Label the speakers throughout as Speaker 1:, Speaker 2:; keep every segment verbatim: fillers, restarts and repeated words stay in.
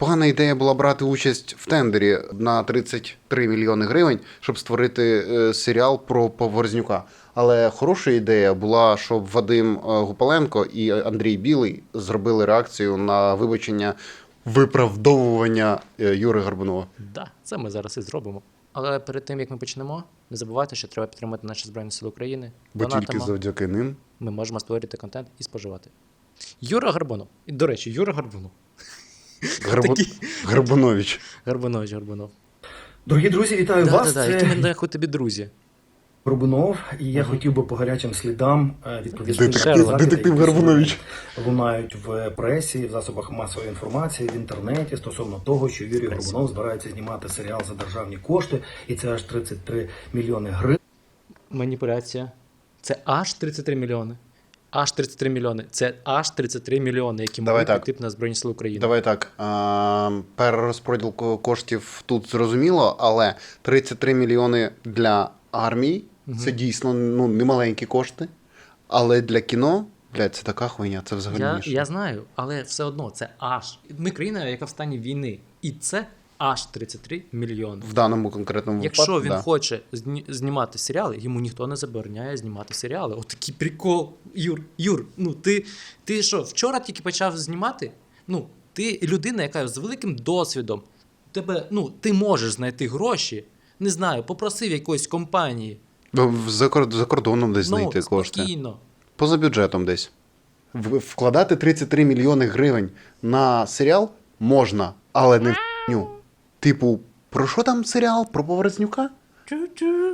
Speaker 1: Погана ідея була брати участь в тендері на тридцять три мільйони гривень, щоб створити е, серіал про Поворознюка. Але хороша ідея була, щоб Вадим Гупаленко і Андрій Білий зробили реакцію на вибачення, виправдовування Юри Горбунова.
Speaker 2: Так, да, це ми зараз і зробимо. Але перед тим, як ми почнемо, не забувайте, що треба підтримати наші Збройні Сили України.
Speaker 1: Бо
Speaker 2: Донатимо.
Speaker 1: тільки завдяки ним
Speaker 2: Ми можемо створити контент і споживати. Юра Горбунов. І, до речі, Юра Горбунов.
Speaker 1: Горбу...
Speaker 2: Такий...
Speaker 1: Горбунович.
Speaker 2: Горбунович, Горбунов.
Speaker 3: Дорогі друзі, вітаю
Speaker 2: Да,
Speaker 3: вас.
Speaker 2: да, да. Які ми нахуй тобі друзі.
Speaker 3: Горбунов, і я
Speaker 2: Ага.
Speaker 3: хотів би по гарячим слідам е, відповісти
Speaker 1: Детектив-
Speaker 3: на закиди,
Speaker 1: детектив
Speaker 3: які
Speaker 1: Горбунович.
Speaker 3: лунають в пресі, в засобах масової інформації, в інтернеті стосовно того, що Юрій
Speaker 2: Пресі.
Speaker 3: Горбунов збирається знімати серіал за державні кошти, і це аж тридцять три мільйони гривень.
Speaker 2: Маніпуляція. Це аж тридцять три мільйони. Аж тридцять три мільйони. Це аж тридцять три мільйони, які
Speaker 1: Давай
Speaker 2: можуть
Speaker 1: так.
Speaker 2: піти на Збройні Сили України.
Speaker 1: Давай так, а, перерозподіл ко- коштів тут зрозуміло, але тридцять три мільйони для армії
Speaker 2: Мгм.
Speaker 1: це дійсно ну, немаленькі кошти, але для кіно, блядь, це така хуйня, це взагалі
Speaker 2: Я,
Speaker 1: ніщо.
Speaker 2: я знаю, але все одно це аж. Ми країна, яка в стані війни. І це аж тридцять три мільйони.
Speaker 1: В даному конкретному
Speaker 2: Якщо
Speaker 1: випадку,
Speaker 2: він
Speaker 1: да.
Speaker 2: хоче зні- знімати серіали, йому ніхто не забороняє знімати серіали. От такий прикол. Юр, Юр, ну ти, ти що, вчора тільки почав знімати? Ну, ти людина, яка з великим досвідом. Тебе, ну, ти можеш знайти гроші. Не знаю, попросив якоїсь компанії.
Speaker 1: В- За, кор- за кордоном десь знайти
Speaker 2: ну,
Speaker 1: кошти.
Speaker 2: спокійно.
Speaker 1: Поза бюджетом десь. В- Вкладати тридцять три мільйони гривень на серіал можна, але не в х**ню. Типу, про що там серіал? Про Поворознюка?
Speaker 2: Чу-чу.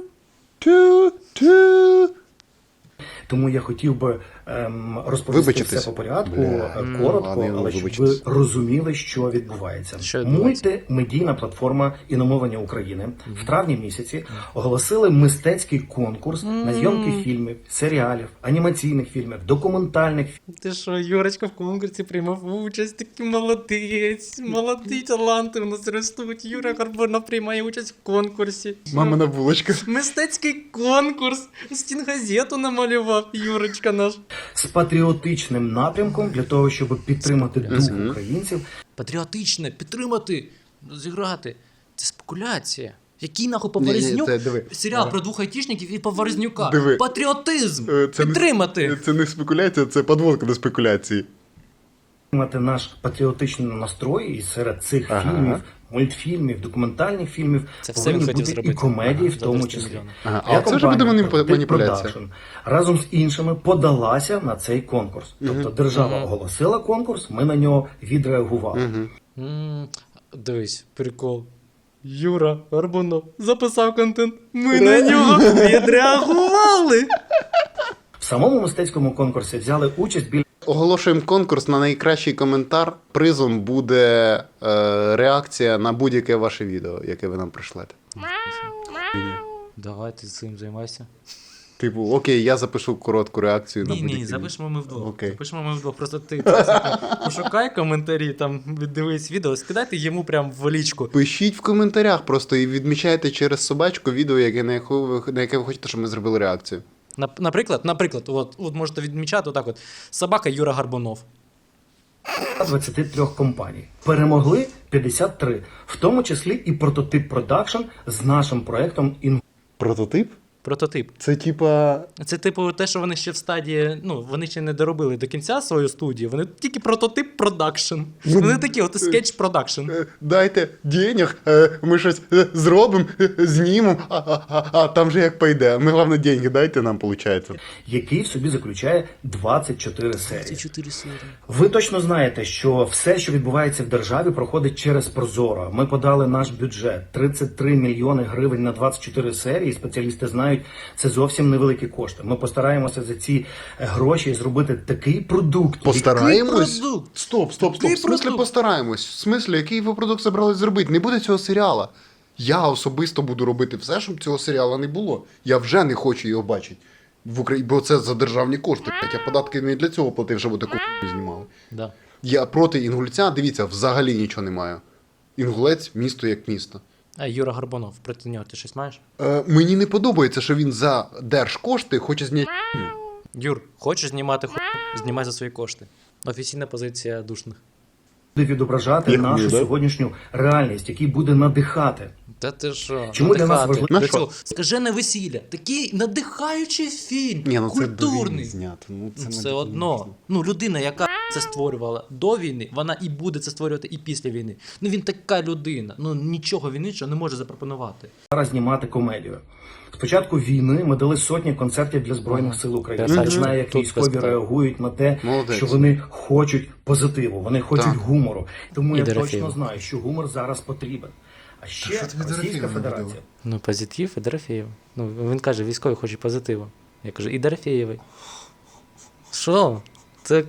Speaker 1: Тю-тю.
Speaker 3: Тому я хотів би ем, розповісти
Speaker 1: Вибачитись.
Speaker 3: все по порядку,
Speaker 1: Бля.
Speaker 3: е,
Speaker 2: М,
Speaker 3: коротко,
Speaker 1: ладно, я
Speaker 3: але щоб
Speaker 1: вибачитись.
Speaker 3: ви розуміли, що відбувається.
Speaker 2: Що відбувається?
Speaker 3: Мультимедійна платформа іномовлення України в травні місяці оголосили мистецький конкурс на зйомки фільмів, серіалів, анімаційних фільмів, документальних
Speaker 2: Ти що, Юрочка в конкурсі приймав участь, такий молодець, молодий таланти у нас ростуть. Юра Горбунов приймає участь в конкурсі.
Speaker 1: Мамина булочка.
Speaker 2: Мистецький конкурс. Стінгазету намалював Юрочка наш.
Speaker 3: з патріотичним напрямком для того, щоб підтримати дух
Speaker 1: Мгм.
Speaker 3: українців.
Speaker 2: Патріотичне, підтримати, зіграти. Це спекуляція. Який нахуй
Speaker 1: Ні, ні,
Speaker 2: Поворознюк?
Speaker 1: це диви.
Speaker 2: Серіал про двох айтішників і Поворознюка.
Speaker 1: Диви.
Speaker 2: Патріотизм.
Speaker 1: Е, це не-
Speaker 2: Підтримати.
Speaker 1: Це не спекуляція, це подводка до спекуляції.
Speaker 3: Мати наш патріотичний настрой, і серед цих
Speaker 1: Ага.
Speaker 3: фільмів, мультфільмів, документальних фільмів
Speaker 2: Це все
Speaker 3: повинні
Speaker 2: він хотів
Speaker 3: бути
Speaker 2: зробити.
Speaker 3: і комедії,
Speaker 2: Ага,
Speaker 3: в тому
Speaker 2: за
Speaker 3: числі.
Speaker 2: тридцять мільйонів.
Speaker 1: Ага,
Speaker 3: Я
Speaker 1: а це вже буде
Speaker 3: компанія
Speaker 1: маніпу-
Speaker 3: Protect
Speaker 1: маніпуляція.
Speaker 3: Production разом з іншими подалася на цей конкурс. Тобто держава
Speaker 2: Мгм.
Speaker 3: оголосила конкурс, ми на нього відреагували.
Speaker 1: Угу.
Speaker 2: М, Дивись, прикол. Юра Горбунов записав контент. Ми на нього відреагували.
Speaker 3: В самому мистецькому конкурсі взяли участь біля
Speaker 1: Оголошуємо конкурс на найкращий коментар. Призом буде е, реакція на будь-яке ваше відео, яке ви нам пришлете.
Speaker 2: Давай ти цим займайся.
Speaker 1: Типу, окей, я запишу коротку реакцію на
Speaker 2: Ні,
Speaker 1: будь-яке
Speaker 2: ні,
Speaker 1: відео.
Speaker 2: запишемо ми вдвох.
Speaker 1: Окей.
Speaker 2: Запишемо ми вдвох. Просто ти просто пошукай коментарі, там дивись відео, скидайте йому прям в лічку.
Speaker 1: Пишіть в коментарях просто і відмічайте через собачку відео, яке, на, яку ви, на яке ви хочете, щоб ми зробили реакцію.
Speaker 2: Нап- Наприклад, наприклад, от, от можете відмічати отак от. Собака Юра Горбунов.
Speaker 3: двадцяти трьох компаній. Перемогли п'ятдесят три, в тому числі і Прототип Продакшн з нашим проектом «Ін».
Speaker 1: Прототип?
Speaker 2: Прототип.
Speaker 1: Це типа.
Speaker 2: Це типу те, що вони ще в стадії, ну, вони ще не доробили до кінця свою студію, вони тільки прототип продакшн.
Speaker 1: Ну,
Speaker 2: Вони такі, от скетч продакшн.
Speaker 1: е, Дайте денег, е, ми щось е, зробимо, е, знімемо, а, а, а, а там же як пойде. Ми, головне, деньги дайте нам, виходить.
Speaker 3: який в собі заключає двадцять чотири серії.
Speaker 2: чотири серії.
Speaker 3: Ви точно знаєте, що все, що відбувається в державі, проходить через Прозоро. Ми подали наш бюджет тридцять три мільйони гривень на двадцять чотири серії. Спеціалісти знають, це зовсім невеликі кошти. Ми постараємося за ці е, гроші зробити такий продукт.
Speaker 1: Постараємось?
Speaker 2: Який продукт?
Speaker 1: Стоп, стоп, стоп.
Speaker 2: Який
Speaker 1: В смислі
Speaker 2: продукт?
Speaker 1: постараємось? В смислі, який ви продукт собрались зробити? Не буде цього серіала. Я особисто буду робити все, щоб цього серіалу не було. Я вже не хочу його бачити. В Україні, бо це за державні кошти. блядь. Я податки не для цього платив, щоб таку хуйню знімали.
Speaker 2: Да.
Speaker 1: Я проти Інгульця, дивіться, взагалі нічого не маю. Інгулець місто як місто.
Speaker 2: А Юра Горбунов, проти нього ти щось маєш?
Speaker 1: Е, мені не подобається, що він за держкошти хоче зняти.
Speaker 2: Юр, хочеш знімати хуй? Знімай за свої кошти. Офіційна позиція душних.
Speaker 3: буде відображати
Speaker 4: Як
Speaker 3: нашу
Speaker 4: буде?
Speaker 3: сьогоднішню реальність, який буде надихати.
Speaker 2: Та ти що?
Speaker 3: Чому для нас
Speaker 2: надихати?
Speaker 3: важливо-
Speaker 1: На
Speaker 2: До
Speaker 1: що?
Speaker 2: цього скажене весілля. Такий надихаючий фільм.
Speaker 1: Ні, ну це до війни
Speaker 2: культурний.
Speaker 1: знято. Ну, це
Speaker 2: Ну,
Speaker 1: не
Speaker 2: все
Speaker 1: до
Speaker 2: одно.
Speaker 1: війни.
Speaker 2: Ну, людина, яка це створювала до війни, вона і буде це створювати і після війни. Ну він така людина. Ну нічого він іншого не може запропонувати.
Speaker 3: Зараз знімати комедію. З початку війни ми дали сотні концертів для Збройних сил України.
Speaker 2: Я
Speaker 3: Я
Speaker 2: знаю,
Speaker 3: знаю, як
Speaker 2: тут
Speaker 3: військові
Speaker 2: без питань.
Speaker 3: реагують на те,
Speaker 1: Молодець.
Speaker 3: що вони хочуть позитиву, вони хочуть
Speaker 1: Так.
Speaker 3: гумору. Тому
Speaker 2: І
Speaker 3: я
Speaker 2: Дорофєєва.
Speaker 3: точно знаю, що гумор зараз потрібен. А ще
Speaker 1: що тобі
Speaker 3: Російська
Speaker 1: Дорофєєва
Speaker 3: Федерація.
Speaker 1: набудила?
Speaker 2: Ну, позитив і Дорофєєв. Ну, він каже, військові хочуть позитиву. Я кажу, і Дорофєєвий. Що? Це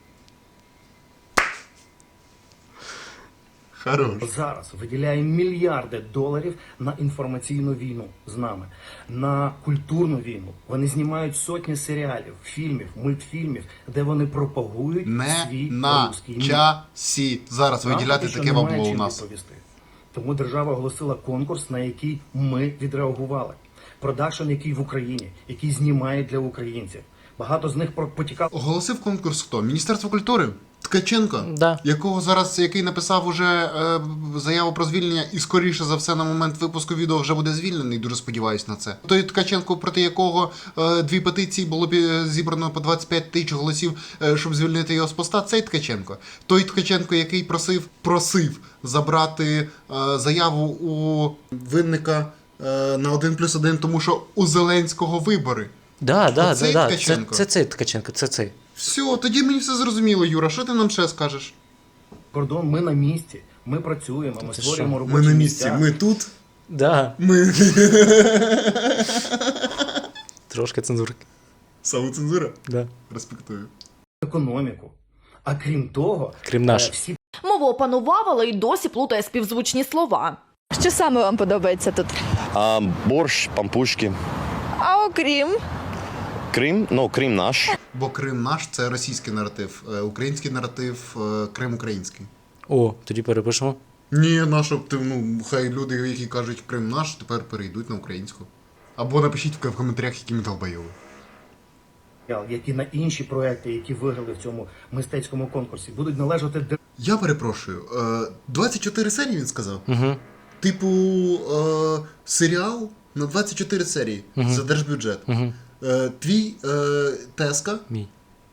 Speaker 1: Хорош.
Speaker 3: Зараз виділяє мільярди доларів на інформаційну війну з нами, на культурну війну. Вони знімають сотні серіалів, фільмів, мультфільмів, де вони пропагують
Speaker 1: Не
Speaker 3: свій
Speaker 1: на
Speaker 3: русський мір.
Speaker 1: часі зараз
Speaker 3: Нам
Speaker 1: виділяти
Speaker 3: поки що
Speaker 1: таке
Speaker 3: немає
Speaker 1: бабло у
Speaker 3: чим
Speaker 1: нас.
Speaker 3: відповісти. Тому держава оголосила конкурс, на який ми відреагували. Продакшн, який в Україні, який знімає для українців. Багато з них про- потікало.
Speaker 1: Оголосив конкурс хто? Міністерство культури? Ткаченко,
Speaker 2: Да.
Speaker 1: якого зараз, який написав уже е, заяву про звільнення, і скоріше за все на момент випуску відео вже буде звільнений. Дуже сподіваюсь на це. Той Ткаченко, проти якого е, дві петиції було б е, зібрано по двадцять п'ять тисяч голосів, е, щоб звільнити його з поста. Цей Ткаченко. Той Ткаченко, який просив, просив забрати е, заяву у винника е, на один плюс один, тому що у Зеленського вибори.
Speaker 2: Да, да,
Speaker 1: Оцей
Speaker 2: да, да. Це,
Speaker 1: Ткаченко?
Speaker 2: це цей Ткаченко, це цей.
Speaker 1: Все, тоді мені все зрозуміло, Юра. Що ти нам ще скажеш?
Speaker 3: Кордон, ми на місці, ми працюємо, ми
Speaker 2: Ти
Speaker 3: створюємо
Speaker 2: що?
Speaker 3: робочі місця.
Speaker 1: тут.
Speaker 2: Да.
Speaker 1: Ми.
Speaker 2: Трошки цензурки.
Speaker 1: Самоцензура?
Speaker 2: Да.
Speaker 1: Респектую.
Speaker 3: економіку. А крім того,
Speaker 2: Крім наш.
Speaker 3: е, всі
Speaker 5: Мову опанував, але й досі плутає співзвучні слова.
Speaker 6: Що саме вам подобається тут?
Speaker 4: А, борщ, пампушки.
Speaker 6: А окрім
Speaker 4: Крим, ну, Крим наш.
Speaker 1: Бо Крим наш це російський наратив, е, український наратив, е, Крим український.
Speaker 2: О, тоді перепишемо.
Speaker 1: Ні, нащо б ти, ну, хай люди, які кажуть Крим наш, тепер перейдуть на українську. Або напишіть в коментарях, які ми долбойови.
Speaker 3: які на інші проекти, які виграли в цьому мистецькому конкурсі, будуть належати державі.
Speaker 1: Я перепрошую, е, двадцять чотири серії він сказав?
Speaker 2: Угу.
Speaker 1: Типу, е, серіал на двадцять чотири серії за держбюджет.
Speaker 2: Угу.
Speaker 1: Е, твій е, Теска,
Speaker 2: Мій.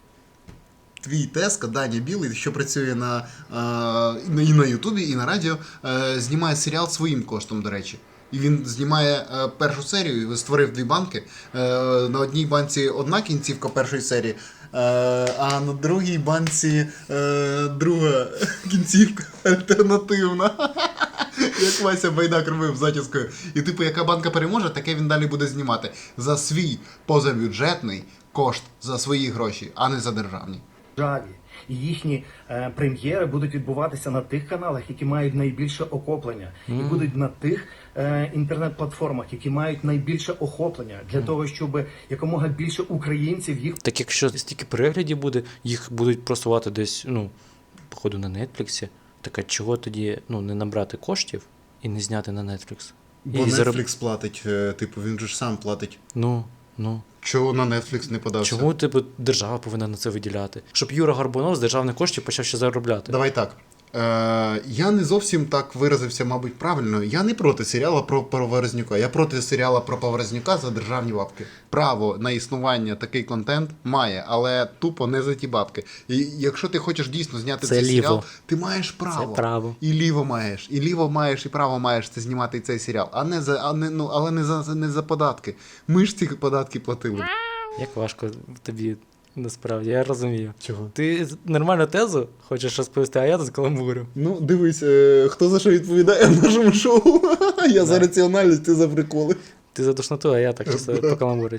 Speaker 1: твій Теска, Даня Білий, що працює на, е, і на Ютубі, і на радіо, е, знімає серіал своїм коштом, до речі. І він знімає е, першу серію, і створив дві банки. Е, на одній банці одна кінцівка першої серії, е, а на другій банці е, друга кінцівка альтернативна. Як Вася Байдак робив затіскою. І типу, яка банка переможе, таке він далі буде знімати. За свій позабюджетний кошт, за свої гроші, а не за державні.
Speaker 3: І їхні е, прем'єри будуть відбуватися на тих каналах, які мають найбільше охоплення, і будуть на тих е, інтернет-платформах, які мають найбільше охоплення, для того, щоб якомога більше українців їх
Speaker 2: Так якщо стільки переглядів буде, їх будуть просувати десь, ну, походу, на Нетфліксі. Так а чого тоді ну, не набрати коштів і не зняти на Netflix?
Speaker 1: Бо
Speaker 2: І зароб-
Speaker 1: Netflix платить, е, типу, він же ж сам платить.
Speaker 2: Ну, ну.
Speaker 1: Чого на Netflix не подався?
Speaker 2: Чому, типу, держава повинна на це виділяти? Щоб Юра Горбунов з державних коштів почав ще заробляти.
Speaker 1: Давай так. Е, я не зовсім так виразився, мабуть, правильно. Я не проти серіала про Поворознюка. Я проти серіала про Поворознюка за державні бабки. Право на існування такий контент має, але тупо не за ті бабки. І якщо ти хочеш дійсно зняти
Speaker 2: Це
Speaker 1: цей
Speaker 2: ліво.
Speaker 1: серіал, ти маєш право.
Speaker 2: Це право.
Speaker 1: І ліво маєш, і ліво маєш, і право маєш це знімати цей серіал. А не за, а не, ну, але не за, не за податки. Ми ж ці податки платили.
Speaker 2: Як важко тобі насправді, я розумію.
Speaker 1: Чого?
Speaker 2: Ти нормальну тезу хочеш розповісти, а я тут каламбурю.
Speaker 1: Ну, дивись, е, хто за що відповідає в нашому шоу. Я за раціональність, ти за приколи.
Speaker 2: Ти за душноту, а я так чисто по каламбурю.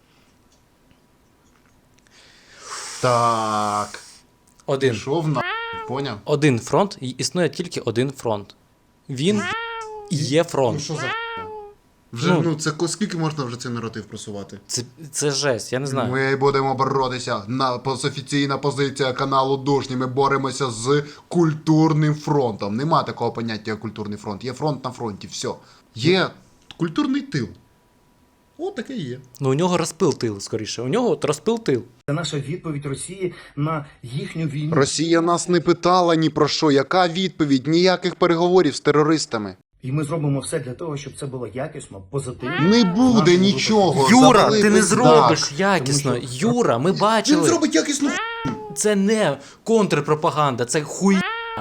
Speaker 1: Так.
Speaker 2: Один.
Speaker 1: Пішов на. Поняв?
Speaker 2: Один фронт, і існує тільки один фронт. Він і є фронт.
Speaker 1: що за Вже,
Speaker 2: Ну.
Speaker 1: ну, це ко- скільки можна вже цей наратив просувати?
Speaker 2: Це, це жесть, я не знаю.
Speaker 1: Ми будемо боротися. На пос- офіційна позиція каналу Душні. Ми боремося з культурним фронтом. Нема такого поняття, як культурний фронт. Є фронт на фронті, все. Є культурний тил. О, таке є.
Speaker 2: Ну, у нього розпил тил, скоріше. У нього от розпил тил.
Speaker 3: Це наша відповідь Росії на їхню війну.
Speaker 1: Росія нас не питала ні про що. Яка відповідь? Ніяких переговорів з терористами.
Speaker 3: І ми зробимо все для того, щоб це було якісно, позитивно.
Speaker 1: Не буде
Speaker 3: Нашому
Speaker 1: нічого.
Speaker 2: Юра,
Speaker 1: Завали
Speaker 2: ти не
Speaker 1: пиздак.
Speaker 2: зробиш якісно.
Speaker 3: Тому що-
Speaker 2: Юра, ми
Speaker 1: Він
Speaker 2: бачили.
Speaker 1: зробить якісну.
Speaker 2: Це не контрпропаганда, це хуй.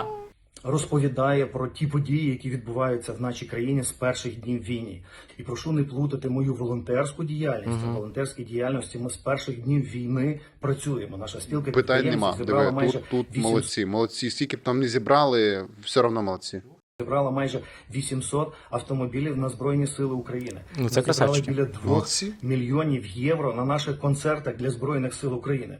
Speaker 3: Розповідає про ті події, які відбуваються в нашій країні з перших днів війни. І прошу не плутати мою волонтерську діяльність. У волонтерській діяльності ми з перших днів війни працюємо. Наша спілка
Speaker 1: Питань
Speaker 3: підприємців
Speaker 1: нема.
Speaker 3: зібрала
Speaker 1: Диви,
Speaker 3: майже
Speaker 1: тут, тут
Speaker 3: вісімсот
Speaker 1: молодці. Молодці. Скільки б там не зібрали, все одно молодці.
Speaker 3: зібрала майже вісімсот автомобілів на Збройні Сили України.
Speaker 2: Ну, це
Speaker 3: Ми зібрали
Speaker 2: красавчики.
Speaker 3: біля двох
Speaker 1: Молодці.
Speaker 3: мільйонів євро на наших концертах для Збройних Сил України.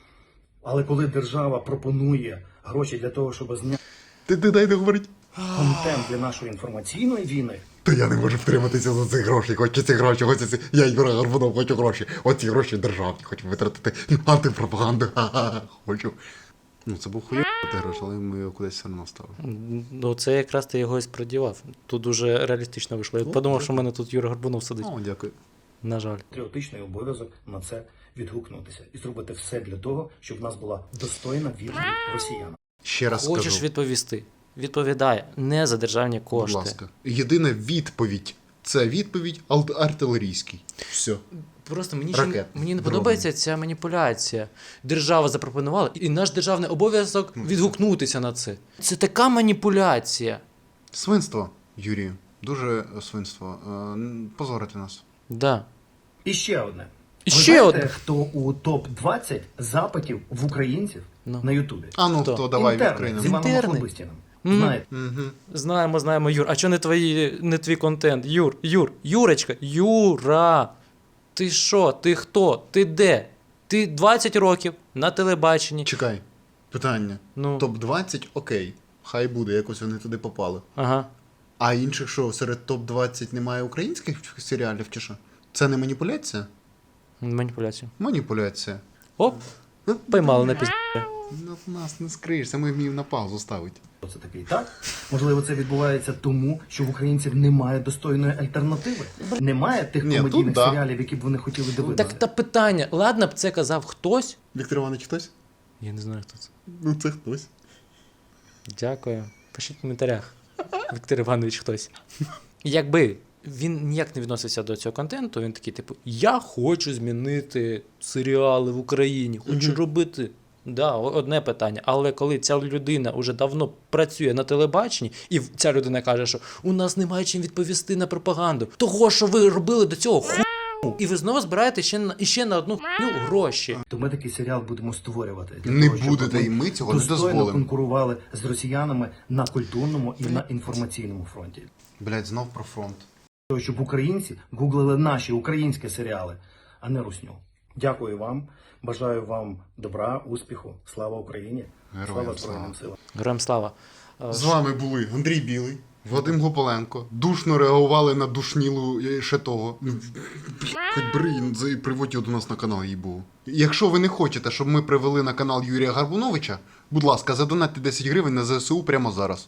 Speaker 3: Але коли держава пропонує гроші для того, щоб зняти
Speaker 1: Ти, ти дай договорити.
Speaker 3: контент для нашої інформаційної війни,
Speaker 7: То я не можу втриматися за ці гроші. Хочу ці гроші, хочу ці. Я Юра Горбунов, хочу гроші. Оці гроші державні, хочу витратити на антипропаганду. Ха-ха, хочу.
Speaker 1: Ну, це був хуйовий гроші, але ми його кудись все одно ставили.
Speaker 2: Ну, це якраз ти його і сподівав. Тут дуже реалістично вийшло. Я подумав, що в мене тут Юра Горбунов сидить.
Speaker 1: О, дякую.
Speaker 2: На жаль.
Speaker 3: патріотичний обов'язок на це відгукнутися і зробити все для того, щоб в нас була достойна відповідь росіянам.
Speaker 1: Ще раз
Speaker 2: Хочеш
Speaker 1: скажу.
Speaker 2: відповісти? Відповідай. Не за державні
Speaker 1: Будь
Speaker 2: кошти.
Speaker 1: ласка. Єдина відповідь. Це відповідь ал- артилерійський. Все.
Speaker 2: Просто мені, ще,
Speaker 1: Ракет.
Speaker 2: мені не
Speaker 1: Дрон.
Speaker 2: подобається ця маніпуляція. Держава запропонувала, і наш державний обов'язок відгукнутися на це. Це така маніпуляція.
Speaker 1: Свинство, Юрію. Дуже е, свинство. Е, н- Позорити нас.
Speaker 2: Да.
Speaker 3: І ще одне.
Speaker 2: І
Speaker 3: Ви
Speaker 2: ще
Speaker 3: знаєте,
Speaker 2: одне.
Speaker 3: хто у топ двадцять запитів в українців
Speaker 2: Ну.
Speaker 3: на Ютубі?
Speaker 1: А ну,
Speaker 2: Хто?
Speaker 1: то давай
Speaker 3: Інтерни
Speaker 1: відкриємо.
Speaker 3: з Іваном
Speaker 2: Інтерни?
Speaker 3: Охлобистіним.
Speaker 2: Мгм.
Speaker 3: Знаєте,
Speaker 1: Угу.
Speaker 2: Знаємо, знаємо, Юр. А що не твої, не твій контент? Юр, Юр, Юрочка, Юра. Ти що? Ти хто? Ти де? Ти двадцять років на телебаченні.
Speaker 1: Чекай. Питання.
Speaker 2: Ну.
Speaker 1: топ двадцять окей. Хай буде, якось вони туди попали.
Speaker 2: Ага.
Speaker 1: А інших що, серед топ двадцять немає українських серіалів чи що? Це не маніпуляція?
Speaker 2: Маніпуляція.
Speaker 1: Маніпуляція.
Speaker 2: Оп, поймали на пізді.
Speaker 1: Ну, нас не скриєшся, ми вміємо на паузу ставити.
Speaker 3: це такий так. Можливо, це відбувається тому, що в українців немає достойної альтернативи. Немає тих
Speaker 1: Ні,
Speaker 3: комедійних
Speaker 1: тут да.
Speaker 3: серіалів, які б вони хотіли дивитися.
Speaker 2: Так та питання. Ладно б це казав хтось.
Speaker 1: Віктор Іванович хтось?
Speaker 2: Я не знаю, хто це.
Speaker 1: Ну, це хтось.
Speaker 2: Дякую. Пишіть в коментарях. Віктор Іванович хтось. Якби він ніяк не відносився до цього контенту, він такий, типу, я хочу змінити серіали в Україні, хочу робити. Да, о- одне питання. Але коли ця людина вже давно працює на телебаченні, і в- ця людина каже, що у нас немає чим відповісти на пропаганду, того, що ви робили до цього ху, і ви знову збираєте ще на, ще на одну хуйню гроші.
Speaker 3: То ми такий серіал будемо створювати. для
Speaker 1: Не
Speaker 3: того, щоб
Speaker 1: будете,
Speaker 3: ми
Speaker 1: і ми цього не
Speaker 3: достойно
Speaker 1: дозволимо.
Speaker 3: конкурували з росіянами на культурному і на інформаційному фронті.
Speaker 1: Блять, знов про фронт.
Speaker 3: Того, щоб українці гуглили наші українські серіали, а не русню. Дякую вам. Бажаю вам добра, успіху. Слава Україні!
Speaker 1: Героям
Speaker 3: слава
Speaker 1: слава.
Speaker 3: Збройним силам!
Speaker 2: Героям слава. Е,
Speaker 1: З вами були Андрій Білий, Вадим Гополенко. Душно реагували на душнілу е, ще того. Хоч бери, за- приводь його до нас на канал, їй був. Якщо ви не хочете, щоб ми привели на канал Юрія Гарбуновича, будь ласка, задонатьте десять гривень на ЗСУ прямо зараз.